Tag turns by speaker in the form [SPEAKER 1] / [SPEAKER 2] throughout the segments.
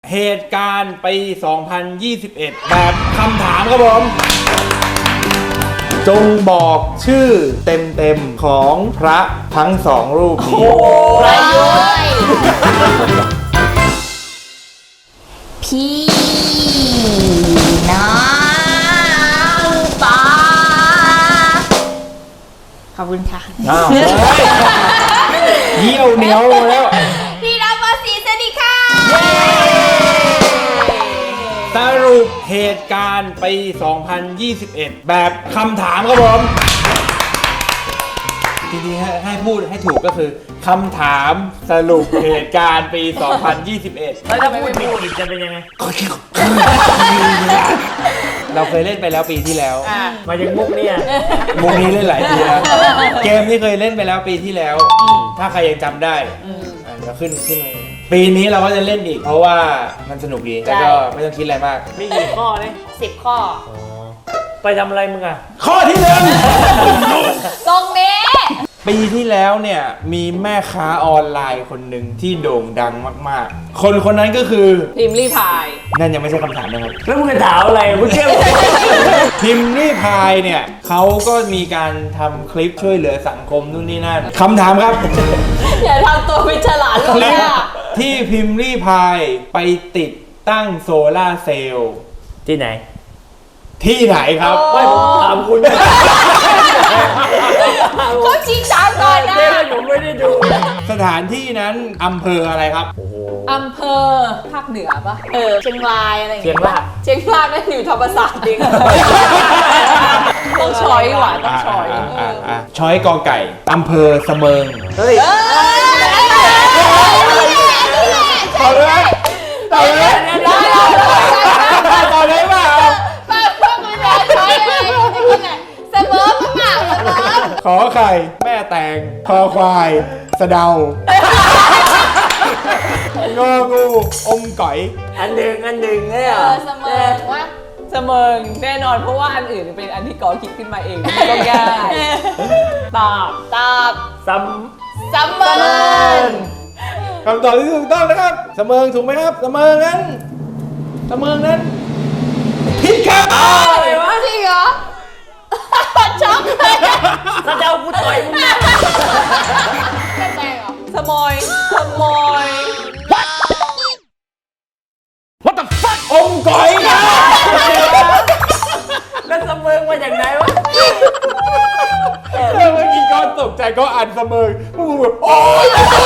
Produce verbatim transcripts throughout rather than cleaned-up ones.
[SPEAKER 1] เหตุการณ์ปี สองพันยี่สิบเอ็ด แบบคำถามครับผม จงบอกชื่อเต็มๆของพระทั้งสองรูปนี้
[SPEAKER 2] ประยุทธ์พี่น้องปาขอบคุณค่ะ
[SPEAKER 1] อ้าวเยี่ยวเหนียวแล้ว
[SPEAKER 2] พี่น้องปาสีสวัสดีค่ะ
[SPEAKER 1] สรุปเหตุการณ์ปี สองพันยี่สิบเอ็ด แบบคำถามครับผมจริงๆให้ให้พูดให้ถูกก็คือคำถามสรุปเหตุการณ์ปี สองพันยี่สิบเอ็ด
[SPEAKER 3] แล้วถ้าพูดผิดจะเป็นยังไง
[SPEAKER 1] เราเคยเล่นไปแล้วปีที่แล้ว
[SPEAKER 3] มายังมุกเนี่ย
[SPEAKER 1] มุกนี้เล่นหลายปีแล้ว เกมที่เคยเล่นไปแล้วปีที่แล้ว ถ้าใครยังจำได้อ่ะเดี๋ยวขึ้นขึ้นมาปีนี้เราก็จะเล่นอีก เพราะว่ามันสนุกดีแล้วก็ไม่ต้องคิดอะไรมาก
[SPEAKER 3] มีกี่ข้อเนี่ย
[SPEAKER 2] สิบข้อ
[SPEAKER 3] ไปทำอะไรมึงอ่ะ
[SPEAKER 1] ข้อที่หนึ่ง
[SPEAKER 2] ตรงนี้
[SPEAKER 1] ปีที่แล้วเนี่ยมีแม่ค้าออนไลน์คนหนึ่งที่โด่งดังมากๆ คนคนนั้นก็คือ
[SPEAKER 4] พิมพ์รีพาย
[SPEAKER 1] นั่นยังไม่ใช่คำถามนะครับ
[SPEAKER 3] แล้วมึงจะถามอะไรมึงเชื่อผม
[SPEAKER 1] พิมพ์รีพายเนี่ยเขาก็มีการทำคลิปช่วยเหลือสังคมนู่นนี่นั่นคำถามครับ
[SPEAKER 4] อย่าทำตัวเป็นฉลาด
[SPEAKER 1] ค
[SPEAKER 4] เล
[SPEAKER 1] ลิ
[SPEAKER 4] ย
[SPEAKER 1] ป
[SPEAKER 4] อะ
[SPEAKER 1] ที่พิมพ์รีพายไปติดตั้งโซล่าร์เซลล์
[SPEAKER 3] ที่ไหน
[SPEAKER 1] ที่ไหนครับ
[SPEAKER 3] ไม่ผมถามคุณ
[SPEAKER 4] เขาชี้จางก่อนนะ
[SPEAKER 3] เจ๊ผมไม่ได้ดู
[SPEAKER 1] สถานที่นั้นอำเภออะไรครับ
[SPEAKER 3] โอ้โห
[SPEAKER 4] อำเภอภาคเหนือปะเออ
[SPEAKER 2] เชียงรายอะไรอย่าง
[SPEAKER 3] เชีย
[SPEAKER 2] เงี้
[SPEAKER 3] ง
[SPEAKER 2] ย
[SPEAKER 3] ราย
[SPEAKER 4] เชียงรายนั่นอยู่ธรรมศาสตร์จริงต้องช้อยว่ะต้องช้อย
[SPEAKER 1] อ่าอ่าอ่าช้อยกอไก่อำเภอเสมิง
[SPEAKER 3] เฮ้ย
[SPEAKER 1] ต่อเลยไหมต่อเลยไหมต่อเลยเปล่า
[SPEAKER 2] ป้าพวกคุณแม่ช้อยอะไรคุณเนี่ยเสมอมากเสมอ
[SPEAKER 1] ขอไข่ แม่แตงคอควาย สะเดางองูอมก๋อย
[SPEAKER 3] อันหนึ่งอันหนึ่งเนี่ย
[SPEAKER 2] เออเสมอว่า
[SPEAKER 4] เสมิงแน่นอนเพราะว่าอันอื่นเป็นอันที่กอคิดขึ้นมาเองไม่ต้องง่ายตอบ
[SPEAKER 2] ตอบ
[SPEAKER 3] ซั
[SPEAKER 2] เสมอ
[SPEAKER 1] คำตอบที่ถูกต้องนะครับเสมิงถูกไหมครับเสมิงนั้นเสมิงนั้นผิดครับ
[SPEAKER 4] อะไรวะ
[SPEAKER 2] จริงเหรอช็อกเลย
[SPEAKER 3] ำถ้าจะเอากูต่อยมึงนะ
[SPEAKER 2] แม่แตงเหรอ
[SPEAKER 4] สมอยสมอย
[SPEAKER 1] What the fuck อมก๋อยครับ
[SPEAKER 3] แล้วเสมอมาจากไหนวะ
[SPEAKER 1] เมื่อกี้ก็ตกใจก็อ่านเสมิงพวกมึงแบบโอ๊ย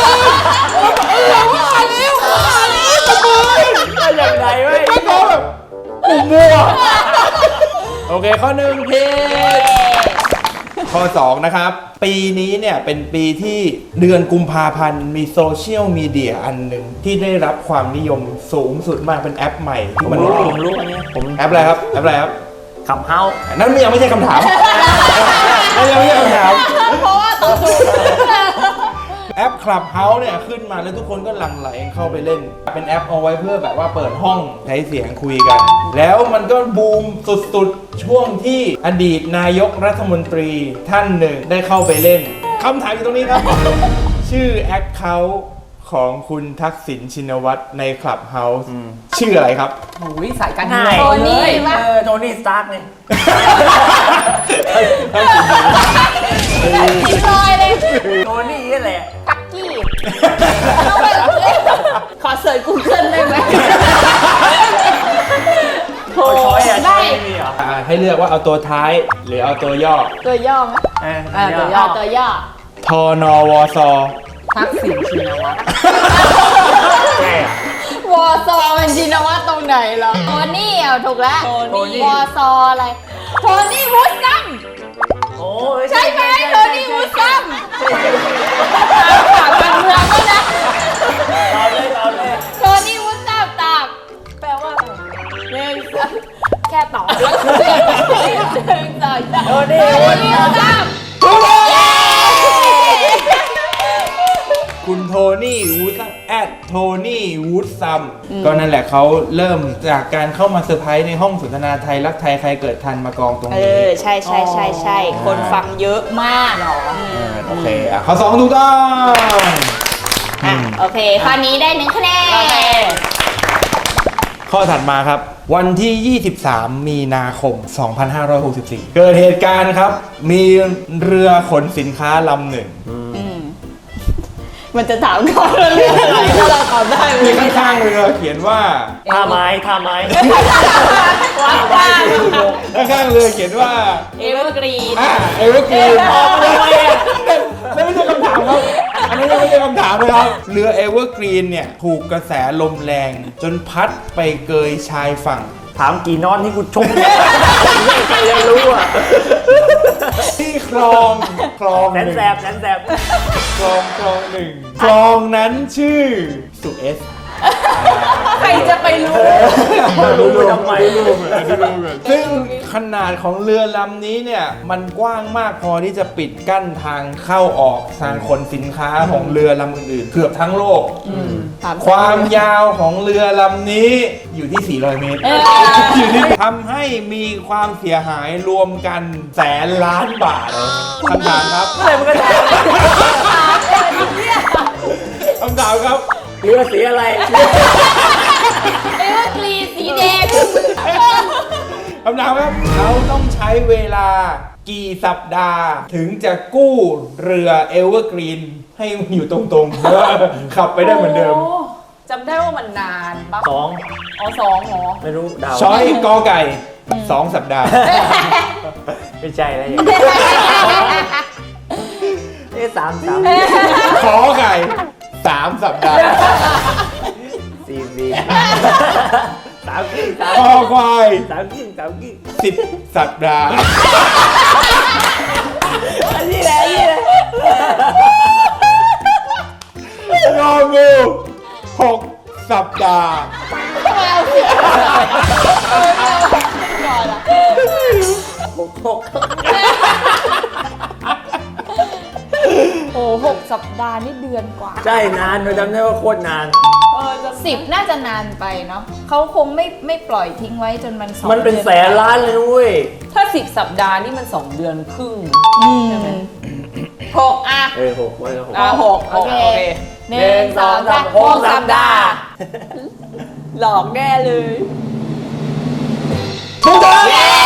[SPEAKER 1] ว่าแล้วว่าแล้วเสมิง
[SPEAKER 3] มาจากไหนวะ
[SPEAKER 1] แล้วก็แบบกูมั่วโอเคข้อหนึ่งผิดข้อสองนะครับ ปีนี้เนี่ยเป็นปีที่เดือนกุมภาพันธ์มีโซเชียลมีเดียอันหนึ่งที่ได้รับความนิยมสูงสุดมากเป็นแอปใหม่
[SPEAKER 3] ผม
[SPEAKER 1] มัน
[SPEAKER 3] รู้ผมรู้อันเนี้ยผม
[SPEAKER 1] แอปอะไรครับแอปอะไรครับ
[SPEAKER 3] ขับเฮา
[SPEAKER 1] นั่นยังไม่ใช่คำถามนั่นยังไม่ใช่คำถาม
[SPEAKER 2] เพราะว่าต้องดู
[SPEAKER 1] แอป Clubhouse เนี่ยขึ้นมาแล้วทุกคนก็หลั่งไหลเข้าไปเล่น เป็นแอปเอาไว้เพื่อแบบว่าเปิดห้องใช้เสียงคุยกัน แล้วมันก็บูมสุดๆ ช่วงที่อดีตนายกรัฐมนตรีท่านหนึ่งได้เข้าไปเล่นคำถามอยู่ตรงนี้ครับ ชื่อแอคเคาท์ของคุณทักษิณชินวัตรใน Clubhouse ชื่ออะไรครับ
[SPEAKER 4] โอ้ยสายการ
[SPEAKER 3] ง่าย
[SPEAKER 4] เมืองเลย
[SPEAKER 3] เออโทนี่สตาร์กเนี่ย
[SPEAKER 2] ผิดลอยเลย
[SPEAKER 3] โทนี่นี่แหละ
[SPEAKER 2] ปักกี้
[SPEAKER 4] ขอเสิร์ชกูเกิลได้ไหมโถ
[SPEAKER 3] เอาช้อยอ่ะช้อยไม่มีเหรอ
[SPEAKER 1] อ่าให้เลือกว่าเอาตัวท้ายหรือเอาตัวย่อ
[SPEAKER 2] ตัวย่อไหม
[SPEAKER 3] เออ
[SPEAKER 4] อ่า
[SPEAKER 3] เดี๋ยว
[SPEAKER 4] ตัวย่
[SPEAKER 2] อ่าตัวย่อ
[SPEAKER 1] ทอนอวซอ
[SPEAKER 4] ทักษิณชินวัตร
[SPEAKER 3] ใช่อ่ะ
[SPEAKER 2] วอซอมันชินวัตรตรงไหนเหรอโทนี่อ่ะถูกแล้ว
[SPEAKER 4] โทนี่
[SPEAKER 2] วอซออะไรโทนี่วูดซัม
[SPEAKER 3] โอ้ย
[SPEAKER 2] ใช่ไหมโทนี่วูดซัม
[SPEAKER 4] ฝากการเมืองก็นะ
[SPEAKER 3] ตอบเลยตอบเลย
[SPEAKER 2] โทนี่วูดซัมตอบ
[SPEAKER 4] แปลว่าอะไรหนึ่งสอง
[SPEAKER 2] แค่ตอบแล้วหนึ่งสองสาม
[SPEAKER 3] โทนี่
[SPEAKER 2] โทนี่วูดซัม
[SPEAKER 1] คุณโทนี่วูดซัมแอดโทนี่วูดซัมก็นั่นแหละเขาเริ่มจากการเข้ามาเซอร์ไพรส์ในห้องสนทนาไทยรักไทยใครเกิดทันมากองตรง
[SPEAKER 2] เอ
[SPEAKER 1] นี้
[SPEAKER 2] อใช่ใช่ใช่ใช่คนฟังเยอะมาก
[SPEAKER 1] เออโอเคอ่ะข้อสองถูกต้อง
[SPEAKER 2] อ่ะโอเคข้อนี้ได้หนึ่งคะแนน
[SPEAKER 1] ข้อถัดมาครับ วันที่ ยี่สิบสาม มีนาคม สองพันห้าร้อยหกสิบสี่ เกิดเหตุการณ์ครับ มีเรือขนสินค้าลำหนึ่ง
[SPEAKER 2] มันจะถามก่อนว่าเรื่องอะไรถ้าเราตอบได้
[SPEAKER 1] ที่ข้างๆเรือเขียนว่า
[SPEAKER 3] ท่าไม้ท่าไม้
[SPEAKER 2] ว้าวว้าว
[SPEAKER 1] ข้างๆเรือเขียนว่า
[SPEAKER 2] เอเวอร์กรีน
[SPEAKER 1] อ่าเอเวอร์กรีนออกมาทำไมอ่ะนั่นไม่ใช่คำถามครับ อันนี้ยังไม่ใช่คำถามนะครับ เรือเอเวอร์กรีนเนี่ยถูกกระแสลมแรง จนพัดไปเกยชายฝั่ง
[SPEAKER 3] ถามกี่นอนที่กูชมใครจะรู้อ่ะ
[SPEAKER 1] ที่คลองคลอง
[SPEAKER 3] แส
[SPEAKER 1] ห
[SPEAKER 3] น
[SPEAKER 1] นึ่ง
[SPEAKER 3] แสบแสนแสบ
[SPEAKER 1] คลองคลองหนึ่งคลองนั้นชื่อสุเอส
[SPEAKER 4] ใครจะไปรู้
[SPEAKER 3] รู้ไปทำไม
[SPEAKER 1] ซึ่งขนาดของเรือลำนี้เนี่ยมันกว้างมากพอที่จะปิดกั้นทางเข้าออกทางขนสินค้าของเรือลำอื่นๆ เกือบทั้งโลก ความยาวของเรือลำนี้อยู่ที่ สี่ร้อย เมตร อยู่ที่ทำให้มีความเสียหายรวมกันแสนล้านบาทคำถามครับ
[SPEAKER 3] เมื่อไหร่มันก็จะ
[SPEAKER 1] คำถามครับ
[SPEAKER 3] เรือสีอะไร
[SPEAKER 2] เอเวอร์กรีนสีแดง
[SPEAKER 1] คำถามครับเขาต้องใช้เวลากี่สัปดาห์ ถึงจะกู้เรือเอเวอร์กรีนให้อยู่ตรงๆแล้วขับไปได้เหมือนเดิม
[SPEAKER 4] โอ้จำได้ว่ามันนานปะ
[SPEAKER 3] สอง
[SPEAKER 4] อ๋อสองเหรอ
[SPEAKER 3] ไม่รู้ดาว
[SPEAKER 1] ช้อยกอไก่สองสัปดาห์
[SPEAKER 3] ไม่ใช่แล้วอย่างเอ๊ะสามสาม
[SPEAKER 1] ขอไก่สามสัปดาห์
[SPEAKER 3] สี่สี่สามกิ้งสาม
[SPEAKER 1] คอควาย
[SPEAKER 3] สามกิ้งสามกิ้ง
[SPEAKER 1] สิบสัปดาห์
[SPEAKER 3] อันนี้แหละอันนี้แหละ
[SPEAKER 1] งองูหกสัปดาห์
[SPEAKER 3] หกหก
[SPEAKER 2] โอ้หกสัปดาห์นี่เดือนกว่า
[SPEAKER 3] ใช่นานเราจำได้ว่าโคตรนาน
[SPEAKER 4] เออจำ
[SPEAKER 2] สิบน่าจะนานไปเนาะเขาคงไม่ไม่ปล่อยทิ้งไว้จนมันสอง
[SPEAKER 3] มันเป็นแสนล้านเลยนุ้ย
[SPEAKER 4] ถ้าสิบสัปดาห์นี่มันสองเดือนครึ่ง
[SPEAKER 2] อืม
[SPEAKER 4] หกอ่ะ
[SPEAKER 3] เออหกไว้แล้วหก
[SPEAKER 4] อ่ะหก
[SPEAKER 2] โอเค
[SPEAKER 4] โอเค
[SPEAKER 2] หนึ่งสองสาม
[SPEAKER 3] หกสัปดาห์
[SPEAKER 4] หลอกแน่เลย
[SPEAKER 1] ถูกต้อง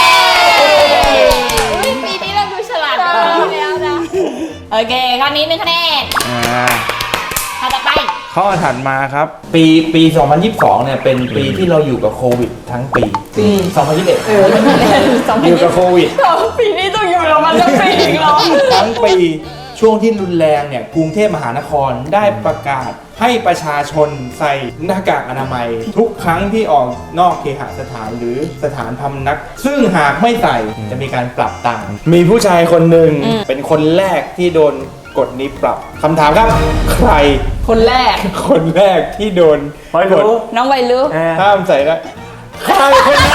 [SPEAKER 2] อุ๊ยปีนี้เราดูฉลาดกว่าปีที่แล้วนะ โอเคข้อนี้หนึ่งคะแนน
[SPEAKER 1] อ่า
[SPEAKER 2] ข้อต่อไป
[SPEAKER 1] ข้อถัดมาครับ ปีปี สองพันยี่สิบสอง เนี่ยเป็นปีที่เราอยู่กับโควิดทั้งปี ปี สองพันยี่สิบเอ็ด
[SPEAKER 2] สองพัน
[SPEAKER 1] อยู่
[SPEAKER 2] ยี่
[SPEAKER 1] กับ
[SPEAKER 2] สิบ
[SPEAKER 1] โควิด
[SPEAKER 4] ปีนี้ต้องอยู่กับมันทั้งปีอีกเหรอ
[SPEAKER 1] ทั้งปีช่วงที่รุนแรงเนี่ยกรุงเทพมหานครได้ประกาศให้ประชาชนใส่หน้ากากอนามัย ทุกครั้งที่ออกนอกเคหสถานหรือสถานพำนัก ซึ่งหากไม่ใส่จะมีการปรับตังค์มีผู้ชายคนหนึ่งเป็นคนแรกที่โดนกฎนี้ปรับคำถามครับ ใคร
[SPEAKER 4] คนแรก
[SPEAKER 1] คนแรกที่โดน
[SPEAKER 3] คอย
[SPEAKER 1] กฎ
[SPEAKER 3] รู้
[SPEAKER 2] น้องไวลุ
[SPEAKER 3] เออ
[SPEAKER 1] ห้ามใส่ได้ใครคนนั้น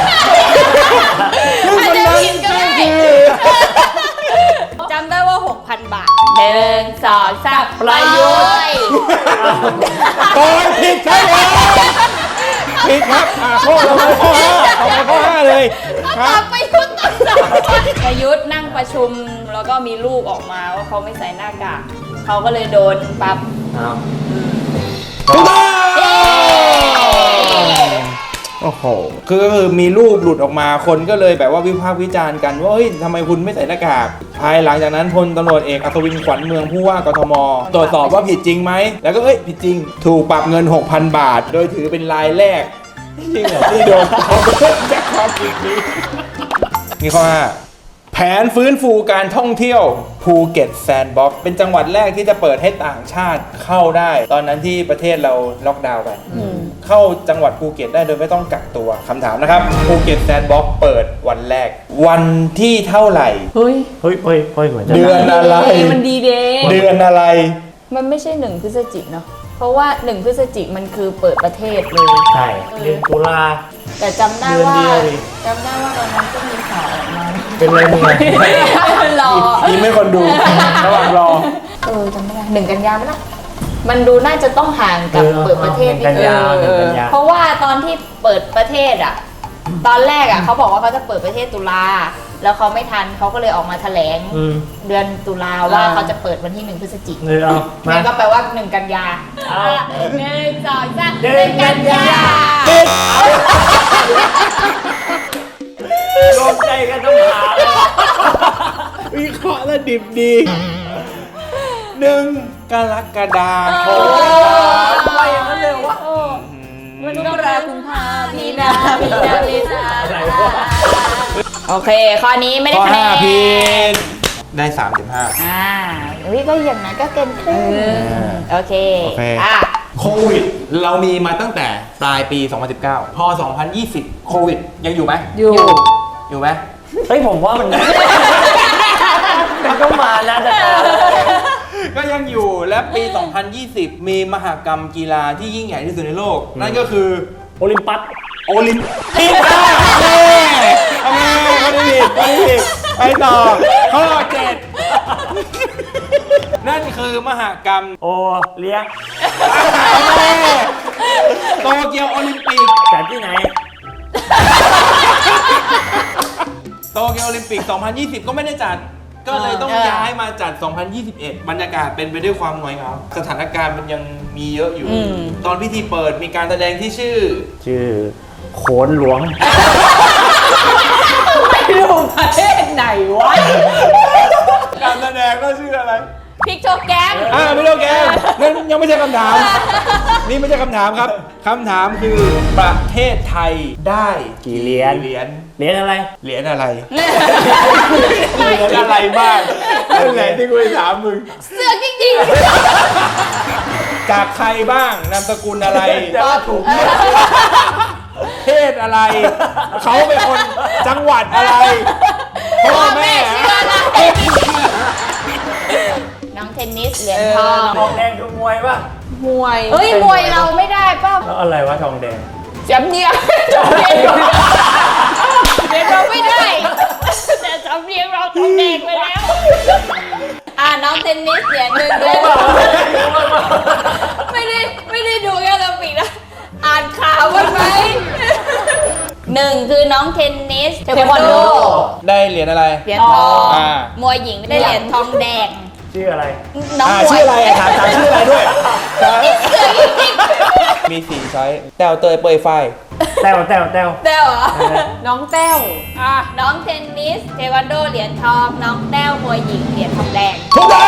[SPEAKER 1] ซึ่งคนนั้นคือ
[SPEAKER 2] จำได้ว่า หกพัน บาทหนึ่งสองสาม
[SPEAKER 3] ประยุทธ์
[SPEAKER 1] ตอนผิดครับผิดครับอ่าข้อเราไปข้อห้าต่อไปข้อห้าเลยค
[SPEAKER 2] ต
[SPEAKER 1] รั
[SPEAKER 2] อบ บไปยุทธ์ต่อสองประยุทธ์นั่งประชุมแล้วก็มีรูปออกมาว่าเขาไม่ใส่หน้ากากเขาก็เลยโดนปรับ
[SPEAKER 3] อ้าว
[SPEAKER 1] ถูกต้องโอ้โหคือก็คือมีรูปหลุดออกมาคนก็เลยแบบว่าวิพากษ์วิจารณ์กันว่าเฮ้ยทำไมคุณไม่ใส่หน้ากากภายหลังจากนั้นพลตำรวจเอกอัศวินขวัญเมืองผู้ว่ากทมตรวจสอบว่าผิดจริงไหมแล้วก็เอ้ยผิดจริง ถูกปรับเงิน หกพัน บาท โดยถือเป็นรายแรกจริงเหรอที่โดนจากความผิดนี้นี่ข้อห้าแผนฟื้นฟูการท่องเที่ยวภูเก็ตแซนด์บ็อกซ์เป็นจังหวัดแรกที่จะเปิดให้ต่างชาติเข้าได้ ตอนนั้นที่ประเทศเราล็อกดาวน์ไปเข้าจังหวัดภูเก็ตได้โดยไม่ต้องกักตัวคำถามนะครับภูเก็ตแซนด์บ็อกซ์เปิดวันแรก วันที่เท่าไหร่
[SPEAKER 4] เฮ้ย
[SPEAKER 3] เฮ้ยเฮ้ยเฮ้ยเหมือนจะ
[SPEAKER 1] เดือนอะไร
[SPEAKER 4] มันดีเดย์
[SPEAKER 1] เดือนอะไร
[SPEAKER 2] มันไม่ใช่หนึ่งพฤศจิกเนาะเพราะว่าหนึ่งพฤศจิกมันคือเปิดประเทศเลย
[SPEAKER 3] ใช่เดือนตุลา
[SPEAKER 2] แต่จำได้ว่า
[SPEAKER 3] เดือนเดียวดิ
[SPEAKER 2] จำได้ว่าตอนนั้นก็มีข่าวออกมา
[SPEAKER 3] เป็นไรมึงไง
[SPEAKER 2] รอ
[SPEAKER 1] ทีมไม่คนดูระหว่างรอ
[SPEAKER 2] เออจำไม่ได้หนึ่งกันยาไหมล่ะมันดูน่าจะต้องห่างกับเปิดประเทศ
[SPEAKER 3] หนึ่งกันยาหนึ่งกันยา
[SPEAKER 2] เพราะว่าตอนที่เปิดประเทศอ่ะ ตอนแรกอ่ะเขาบอกว่าเขาจะเปิดประเทศตุลาแล้วเขาไม่ทันเขาก็เลยออกมาแถลง
[SPEAKER 3] อืม
[SPEAKER 2] เดือนตุลาว่าเขาจะเปิดวันที่หนึ่งพฤศจิก
[SPEAKER 3] เออเอามา
[SPEAKER 2] นั่นก็แปลว่าหนึ่งกันยา
[SPEAKER 3] เอา
[SPEAKER 2] หนึ่งสองสาม
[SPEAKER 3] หนึ่งกันยา
[SPEAKER 1] ปิด
[SPEAKER 3] เอ
[SPEAKER 1] ดิบดีหนึ่งกรกฎาคม
[SPEAKER 3] ทำไมอย่างนั้นเลยวะ
[SPEAKER 4] มันก็รากุมภา
[SPEAKER 2] มี
[SPEAKER 4] มี
[SPEAKER 2] นา
[SPEAKER 4] นา
[SPEAKER 2] มีนามีนา
[SPEAKER 3] อะไรวะ
[SPEAKER 2] โอเค ข้อนี้ไม่ได้
[SPEAKER 1] ข้อ
[SPEAKER 2] คะแน
[SPEAKER 1] ห้าน ผิดได้สามสิบห้า
[SPEAKER 2] อ่าอุ้ยก็อย่างนั้นก็เกินครึ่งโอเค
[SPEAKER 1] โอเค
[SPEAKER 2] อ่ะ
[SPEAKER 1] โควิด เรามีมาตั้งแต่ปลายปี สองพันสิบเก้า พอ สองพันยี่สิบ โควิด ยังอยู่ไหม
[SPEAKER 4] อยู่
[SPEAKER 1] อยู่ไหม
[SPEAKER 3] เฮ้ยผมว่ามัน มันก็มานะแต่
[SPEAKER 1] ก็ยังอยู่และปี สองพันยี่สิบ มีมหกรรมกีฬาที่ยิ่งใหญ่ที่สุดในโลก นั่นก็คือ
[SPEAKER 3] โอลิมปัส
[SPEAKER 1] โอลิมปิกอ่ะเน่ทำไมไม่ได้ผิดไม่ได้ผิดไปต่อข้อเจ็ดนั่นคือมหกรรม
[SPEAKER 3] โอเลี้ยง
[SPEAKER 1] โตเกียวโอลิมปิก
[SPEAKER 3] จัดที่ไหน
[SPEAKER 1] โตเกียวโอลิมปิก สองพันยี่สิบ ก็ไม่ได้จัด ก็เลยต้อง
[SPEAKER 2] เออ
[SPEAKER 1] ย้ายมาจัด สองพันยี่สิบเอ็ด บรรยากาศเป็นไปด้วยความหน่อยเหงาสถานการณ์มันยังมีเยอะอยู่
[SPEAKER 2] อืม
[SPEAKER 1] ตอนพิธีเปิดมีการแสดงที่ชื่อ
[SPEAKER 3] ชื่อโขนหลวง
[SPEAKER 4] ไม่รู้ประเทศไหนวะ
[SPEAKER 1] การแสดงก็ชื่ออะไร
[SPEAKER 2] พริกโชว์แกง
[SPEAKER 1] อ่าไม่ต้องแกมนั่นยังไม่ใช่คำถาม นี่ไม่ใช่คำถามครับคำถามคือประเทศไทยได้
[SPEAKER 3] กี่เหรียญ
[SPEAKER 1] เหรียญ
[SPEAKER 3] เหรียญอะไร
[SPEAKER 1] เหรียญอะไร เหรียญอะไรบ้างนั่นแหละที่กูจะถามมึง
[SPEAKER 2] เสือกจริง
[SPEAKER 1] จากใครบ้างนามสกุลอะไร
[SPEAKER 3] แต่ว่าถูก
[SPEAKER 1] เพศอะไร เขาเป็นคนจังหวัดอะไร
[SPEAKER 2] ๆ
[SPEAKER 1] พ่อ
[SPEAKER 2] พ่อ
[SPEAKER 1] แม่
[SPEAKER 2] แม่ชื่ออะไรน้องเทนนิสเหรียญทอง
[SPEAKER 3] ทองแดงคือมวยป่ะ
[SPEAKER 4] มวย
[SPEAKER 2] เฮ้ยมวยเราไม่ได้ป่ะ
[SPEAKER 3] แล้วอะไรวะทองแดง
[SPEAKER 4] จำเนียงจำ
[SPEAKER 2] เรี
[SPEAKER 4] เนี
[SPEAKER 2] ย
[SPEAKER 4] ย
[SPEAKER 2] น
[SPEAKER 4] ง
[SPEAKER 2] เรียนเราไม่ได้ แต่สำเนียงเราต้องเด็กไปแล้ว อ่าน้องเทนนิสเหรียญหนึ่งด้วยไม่ได้ไม่ได้ดูแค่โอลิมปิกนะอ่านข่าวบ้างไหมหนึ่งคือน้องเทนนิสเทควันโด
[SPEAKER 1] ได้เหรียญอะไร
[SPEAKER 2] เหรียญทอง
[SPEAKER 1] อ่า
[SPEAKER 2] มวยหญิงได้เหรียญทองแดง
[SPEAKER 3] ชื่ออะไร
[SPEAKER 2] น้อง
[SPEAKER 1] อ่าม
[SPEAKER 2] วย
[SPEAKER 1] ชื่ออะไรถามถามชื่ออะไรด้วย
[SPEAKER 2] เสือจริง
[SPEAKER 1] มีสี่ช้อยแต้วเตยเปยไฟ
[SPEAKER 3] แต้วแต้วแต้ว
[SPEAKER 2] ๆเต้วเหรอ
[SPEAKER 4] น้องแต้วอ่ะ
[SPEAKER 2] น้องเทนนิสเทควันโดเหรียญทอง น้องแต้วมวยหญิงเหรียญทองแดง
[SPEAKER 1] ถูกต้อง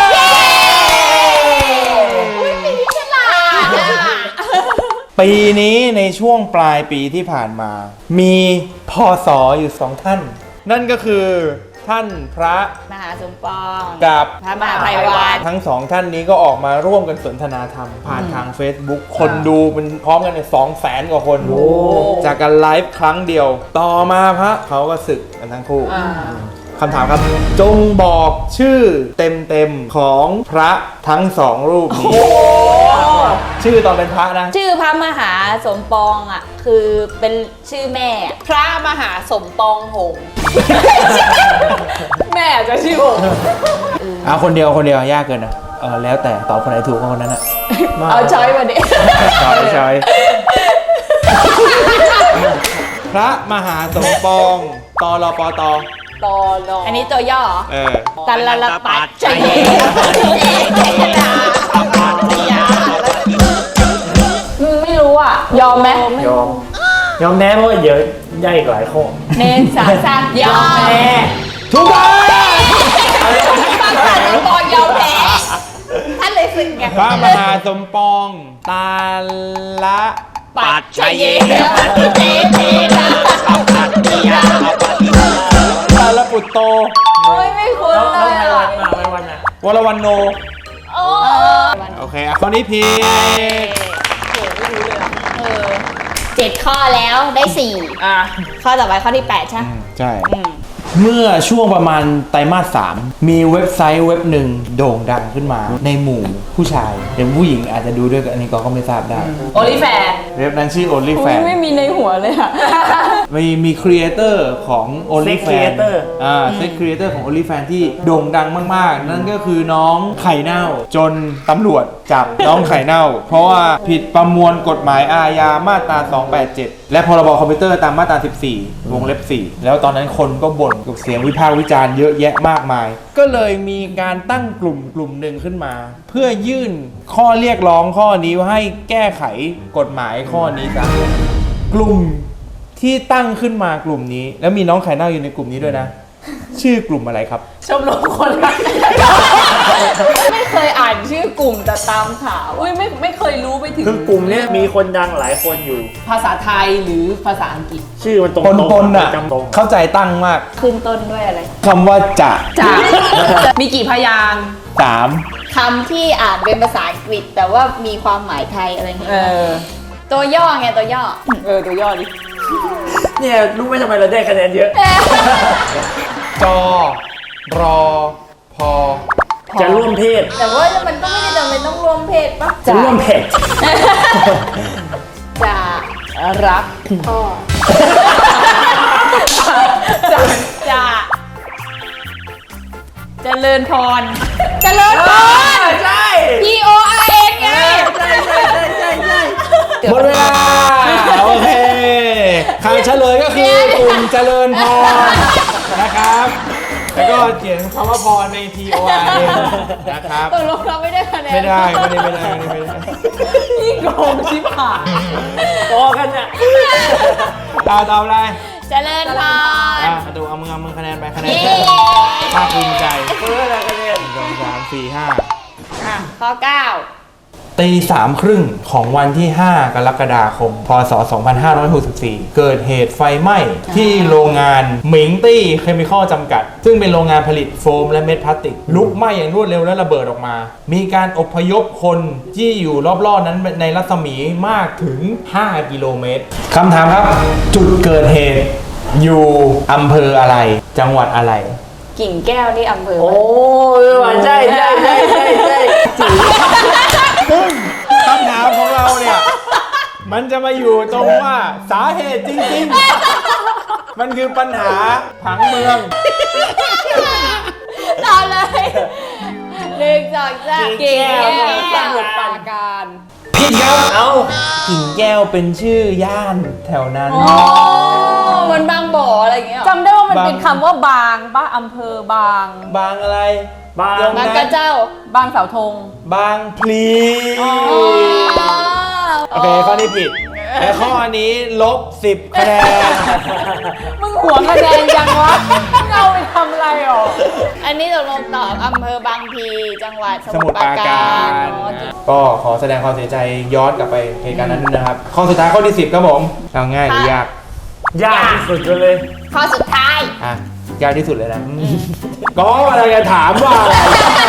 [SPEAKER 2] อุ้ยปีนี้ฉลาดอ่ะ
[SPEAKER 1] ปีนี้ในช่วงปลายปีที่ผ่านมา มีพศอยู่สองท่าน นั่นก็คือท่านพระ
[SPEAKER 2] มหาสมปอง
[SPEAKER 1] กับ
[SPEAKER 2] พระมหาไพวัน
[SPEAKER 1] ทั้งสองท่านนี้ก็ออกมาร่วมกันสนทนาธรรม ผ่านทาง Facebook คนดูเป็นพร้อมกันเนี่ยสองแสนกว่าคน จากการไลฟ์ครั้งเดียว ต่อมาพระเขาก็ศึกกันทั้งคู่
[SPEAKER 4] อ่า
[SPEAKER 1] คำถามครับ จงบอกชื่อเต็มๆของพระทั้งสองรูปนี้ ชื่อตอนเป็นพระนะ
[SPEAKER 2] ชื่อพระมหาสมปองอ่ะ คือเป็นชื่อแม่อะ
[SPEAKER 4] พระมหาสมปองหงส์แม่จะชื่อหงส์
[SPEAKER 1] เอาคนเดียวคนเดียวยากเกินนะเออแล้วแต่ตอบคนไหนถูกก็คนนั้นอ่ะ
[SPEAKER 4] เอาช้อยมาดิ
[SPEAKER 1] ใช่ใช่พระมหาสมปองตอรอปอตอ
[SPEAKER 4] ตอรอ
[SPEAKER 2] อันนี้ตัวย่อเหรอ
[SPEAKER 1] เออ
[SPEAKER 2] ตันละละปัดใจเย็นใจเย็นยา
[SPEAKER 4] อืมไม่รู้อ่ะ ยอมไหม
[SPEAKER 3] ยอม ยอมแม้เพราะว่าเดี๋ยวย่ายอีกหลายข้อ
[SPEAKER 2] เนนสาสามยอมแพ้
[SPEAKER 1] ถูกต้อง
[SPEAKER 2] พระมหาสมปองยอมแพ้ท่านเลยสึกไง
[SPEAKER 1] พระมหาสมปองตาละ
[SPEAKER 2] ปัดใจเย็นเจเจนะปัดยา
[SPEAKER 1] ตาละปุตโต
[SPEAKER 2] โอ้ยไม่คุ้น
[SPEAKER 3] แล้ว
[SPEAKER 2] เล
[SPEAKER 3] แล้ว
[SPEAKER 2] ย
[SPEAKER 3] ไพ
[SPEAKER 2] อ่ะ
[SPEAKER 3] วันมาไพวันอ่ะ
[SPEAKER 1] วรวันโน
[SPEAKER 2] โอ้
[SPEAKER 1] โอเคอ่ะข้อนี้ผิด
[SPEAKER 2] เออเจ็ดข้อแล้วได้สี่
[SPEAKER 4] อ่ะ
[SPEAKER 2] ข้อต่อไปข้อที่แปดใช่ไหม
[SPEAKER 1] ใช่
[SPEAKER 2] อืม
[SPEAKER 1] เมื่อช่วงประมาณไตรมาสสามมีเว็บไซต์เว็บหนึ่งโด่งดังขึ้นมาในหมู่ผู้ชายเดี๋ยวผู้หญิงอาจจะดูด้วยกันอันนี้ก็ก็ไม่ทราบได้
[SPEAKER 4] โอลิแฟน
[SPEAKER 1] เว็บนั้นชื่อ
[SPEAKER 4] อุ้ย
[SPEAKER 1] OnlyFans
[SPEAKER 4] ไม่มีในหัวเลยอ่ะ
[SPEAKER 1] มีมีครีเอเตอร์ของ OnlyFans
[SPEAKER 3] creator
[SPEAKER 1] อ่าเซ็กครีเอเตอร์ของ OnlyFans ที่โด่งดังมากๆ นั่นก็คือน้องไข่เน่าจนตำรวจจับน้องไข่เน่า เพราะว่าผิดประมวลกฎหมายอาญามาตรา สองแปดเจ็ด และพรบคอมพิวเตอร์ตามมาตรา สิบสี่ วงเล็บ สี่ แล้วตอนนั้นคนก็บ่นกับเสียงวิพากษ์วิจารณ์เยอะแยะมากมาย ก็เลยมีการตั้งกลุ่มกลุ่มหนึ่งขึ้นมา เพื่อยื่นข้อเรียกร้องข้อนี้ให้แก้ไขกฎหมายข้อนี้ซะกลุ่มที่ตั้งขึ้นมากลุ่มนี้ แล้วมีน้องไข่เน่าอยู่ในกลุ่มนี้ด้วยนะชื่อกลุ่มอะไรครับ
[SPEAKER 4] ชมรมคนรักไม่เคยอ่านชื่อกลุ่มแต่ตามข่าวอุ้ยไม่ไม่เคยรู้ไปถึง
[SPEAKER 3] คือกลุ่มเนี้ยมีคนดังหลายคนอยู่
[SPEAKER 4] ภาษาไทยหรือภาษาอังกฤษ
[SPEAKER 3] ชื่อมันตรง
[SPEAKER 1] ปน
[SPEAKER 3] ตรง
[SPEAKER 1] ปนอ่ะ
[SPEAKER 3] จำตรง
[SPEAKER 1] เข้าใจตั้งมาก
[SPEAKER 2] ขึ้นต้นด้วยอะไร
[SPEAKER 1] คำว่าจะ
[SPEAKER 4] จะ มีกี่พยางค์
[SPEAKER 1] สาม
[SPEAKER 2] คำที่อ่านเป็นภาษาอังกฤษ แต่ว่ามีความหมายไทยอะไรอย่างเงี้
[SPEAKER 4] เอย อ
[SPEAKER 2] ตัวย่อไงตัวย่อ
[SPEAKER 4] เออ ตัวย่อดิ
[SPEAKER 3] เนี่ยรู้ไหมทำไมเราได้คะแนนเยอะ
[SPEAKER 1] จอ รอ พอ
[SPEAKER 3] จะร่วมเพศ
[SPEAKER 2] แต่ว่ามันก็ไม่ได้จำเป็นต้องรวมเพศปะ
[SPEAKER 3] จะร่วมเพศ
[SPEAKER 2] จะ
[SPEAKER 4] รัก
[SPEAKER 2] พ่อ
[SPEAKER 4] จะ
[SPEAKER 2] จะเจริญพรเจริญพร
[SPEAKER 3] ใช่
[SPEAKER 2] P O R N ไง
[SPEAKER 3] ใช่ใช่ใช่ใช่ใช่
[SPEAKER 1] หมดเวลา โอเคคำเฉลยก็คือกลุ่มเจริญพรนะครับ แล้วก็เขียนคำว่าพรใน T O R N นะครับ
[SPEAKER 2] ตกลงเราไม่ได้คะแนน
[SPEAKER 1] ไม่ได้ไม่ได้ไม่ได้ไม่ได้ไม่ได้
[SPEAKER 4] นี่โกงชิบหาย
[SPEAKER 3] โตกันอ่ะ
[SPEAKER 1] ตาตอบอะไร
[SPEAKER 2] เจริญพร
[SPEAKER 1] อ่ะดูเอามือเอามือคะแนนไปคะแนน
[SPEAKER 2] เย้
[SPEAKER 1] ภาคภูมิใจ
[SPEAKER 3] เพื่ออะไรกันเนี่ย
[SPEAKER 1] หนึ่งสองสามสี่ห้า
[SPEAKER 2] อ่ะข้อเก้า
[SPEAKER 1] ตีสามครึ่งของวันที่ ห้ากรกฎาคม พศ สองพันห้าร้อยหกสิบสี่ เกิดเหตุไฟไหม้ที่โรงงานหมิงตี้เคมีคอลจำกัด ซึ่งเป็นโรงงานผลิตโฟมและเม็ดพลาสติก ลุกไหม้อย่างรวดเร็วและระเบิดออกมา มีการอพยพคนที่อยู่รอบๆนั้นในรัศมีมากถึง ห้า กิโลเมตรคำถามครับ จุดเกิดเหตุอยู่อำเภออะไร จังหวัดอะไร
[SPEAKER 2] กิ่งแก้วนี่อำเภอ
[SPEAKER 3] โอ้ยว่ะใช่ใช่ใช่ใช่ใช่จี
[SPEAKER 1] ซึ่งคำถามของเราเนี่ย มันจะมาอยู่ตรงว่าสาเหตุจริงๆ มันคือปัญหาผังเมือง
[SPEAKER 2] ต่อเลยหนึ่งสองสาม
[SPEAKER 4] เก่ง
[SPEAKER 2] แก้
[SPEAKER 4] ส
[SPEAKER 2] ว
[SPEAKER 4] มุดปราการ
[SPEAKER 1] ผิดครับ
[SPEAKER 3] เอา
[SPEAKER 1] กิ่งแก้วเป็นชื่อย่านแถวนั้น
[SPEAKER 2] อ๋อมันบางบ่ออะไรอย่างเงี้ยเหรอ
[SPEAKER 4] จำได้ว่ามัน
[SPEAKER 1] บาง
[SPEAKER 4] เป็นคำว่าบางป่ะอำเภอบาง
[SPEAKER 1] บางอะไร
[SPEAKER 3] บาง
[SPEAKER 2] บางกระเจ้า
[SPEAKER 4] บางเสาธง
[SPEAKER 1] บางพลี
[SPEAKER 2] อ๋อ
[SPEAKER 1] โอเคข้อนี้ผิด และข้อนี้ลบสิบคะแนน
[SPEAKER 4] มึงหัวคะแนนยังวะมึงเอาไปทำอะไรหรอ
[SPEAKER 2] อันนี้ตกลงตอบอำเภอบางพลีจังหวัดส
[SPEAKER 1] ส
[SPEAKER 2] มุ
[SPEAKER 1] มุ
[SPEAKER 2] ท
[SPEAKER 1] ท
[SPEAKER 2] ร
[SPEAKER 1] ร
[SPEAKER 2] ป
[SPEAKER 1] ป
[SPEAKER 2] รา
[SPEAKER 1] รา
[SPEAKER 2] การ
[SPEAKER 1] การ
[SPEAKER 2] เนอะ
[SPEAKER 1] ก็ขอแสดงความเสียใจย้อนกลับไปเหตุการณ์นั้นด้วยนะครับ ข้อสุดท้ายข้อที่สิบครับผมเอาง่ายหรือยาก
[SPEAKER 3] ยากที่สุดเลย
[SPEAKER 2] ข้อสุดท้าย
[SPEAKER 1] อ่ะยากที่สุดเลยนะก็อะไรจะถามว่าอะไร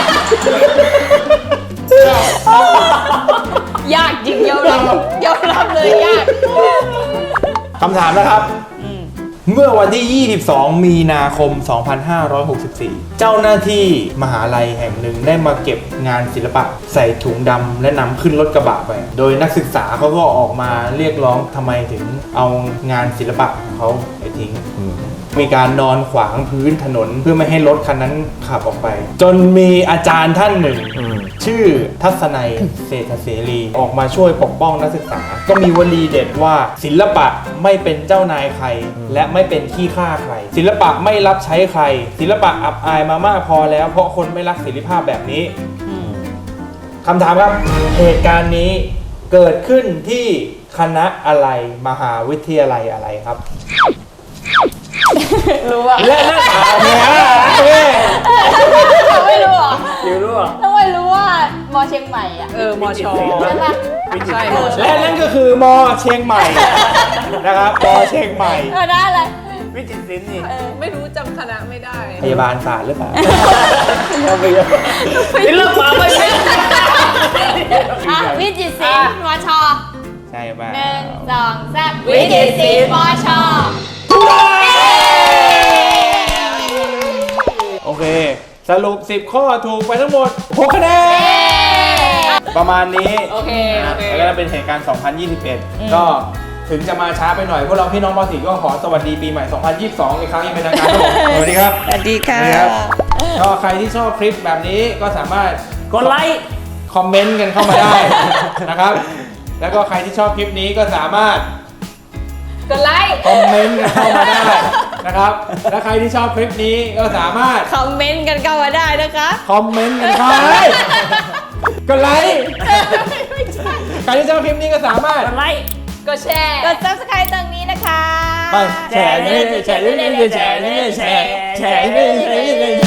[SPEAKER 2] ยากจริงยอมรับยอมรับเลยยาก
[SPEAKER 1] คำถามนะครับ เมื่อวันที่ ยี่สิบสอง มีนาคม สองพันห้าร้อยหกสิบสี่ เจ้าหน้าที่มหาลัยแห่งหนึ่งได้มาเก็บงานศิลปะใส่ถุงดำและนำขึ้นรถกระบะไป โดยนักศึกษาเขาก็ออกมาเรียกร้องทำไมถึงเอางานศิลปะของเขาไปทิ้ง มีการนอนขวางพื้นถนนเพื่อไม่ให้รถคันนั้นขับออกไป จนมีอาจารย์ท่านหนึ่ง
[SPEAKER 3] อืม
[SPEAKER 1] ชื่อทัศนัยเศรษฐเสรีออกมาช่วยปกป้องนักศึกษา ก็มีวลีเด็ดว่าศิลปะไม่เป็นเจ้านายใคร และไม่เป็นขี้ข้าใคร ศิลปะไม่รับใช้ใคร ศิลปะอับอายมามากพอแล้วเพราะคนไม่รักศิลปภาพแบบนี้คำถามครับเหตุการณ์นี้เกิดขึ้นที่คณะอะไรมหาวิทยาลัยอะไรครับ
[SPEAKER 2] รู้อ่ะ
[SPEAKER 1] และนักข่าวเนี่ยเอ้ย
[SPEAKER 2] เราไม่รู้เหรอ
[SPEAKER 3] อยู่รู้อ่ะ
[SPEAKER 2] ทำไมรู้ว่ามอเชียงใหม่อ่ะ
[SPEAKER 4] เออมอชอ
[SPEAKER 2] ใช่ปะ
[SPEAKER 4] ใช่มอชอ
[SPEAKER 1] และนั่นก็คือมอเชียงใหม่นะครับมอเชียงใหม่
[SPEAKER 2] เออได้เลย
[SPEAKER 3] วิจิตรศิลป์นี่
[SPEAKER 4] เออไม่รู้จำคณะไม่ได้
[SPEAKER 1] พยาบาลศาสตร์หรือเปล่า
[SPEAKER 3] เอาไปเลยศิลปะไม่เป็น
[SPEAKER 2] อ่ะวิจิตรศิลป์มอชอ
[SPEAKER 1] ใช่ป่ะ
[SPEAKER 2] หนึ่งสองสามวิจิตรศิลป์มอชอ
[SPEAKER 1] โอเค สรุปสิบข้อถูกไปทั้งหมดหกคะแนนประมาณนี้
[SPEAKER 4] โอเคโอเค
[SPEAKER 1] แล้วก็เป็นเหตุการณ์ สองพันยี่สิบเอ็ด ก็ถึงจะมาช้าไปหน่อยพวกเราพี่น้องมอสีก็ขอสวัสดีปีใหม่ สองพันยี่สิบสอง อีกครั้งอยังเป็นทางการครับผมสวัสดีครับ
[SPEAKER 2] สวัสดีค่ะ
[SPEAKER 1] สวัสดีครับก็ใครที่ชอบคลิปแบบนี้ก็สามารถ
[SPEAKER 3] กดไลค์
[SPEAKER 1] คอมเมนต์กันเข้ามาได้ นะครับ แล้วก็ใครที่ชอบคลิปนี้ก็สามารถ
[SPEAKER 2] กดไลค์
[SPEAKER 1] คอมเมนต์กันเข้ามาได้นะครับ และใครที่ชอบคลิปนี้ก็สามารถ
[SPEAKER 2] คอมเมนต์กันเข้ามาได้นะคะ
[SPEAKER 1] คอมเมนต์กันเข้ามาได้กดไลค์ใครที่ชอบคลิปนี้ก็สามารถ
[SPEAKER 3] กดไลค์
[SPEAKER 4] ก็แชร์
[SPEAKER 2] กด ซับสไครบ์ ตรงนี้นะคะ
[SPEAKER 1] ไป
[SPEAKER 3] แฉนี่แฉนี่แฉนี่แฉแฉนี่แฉนี่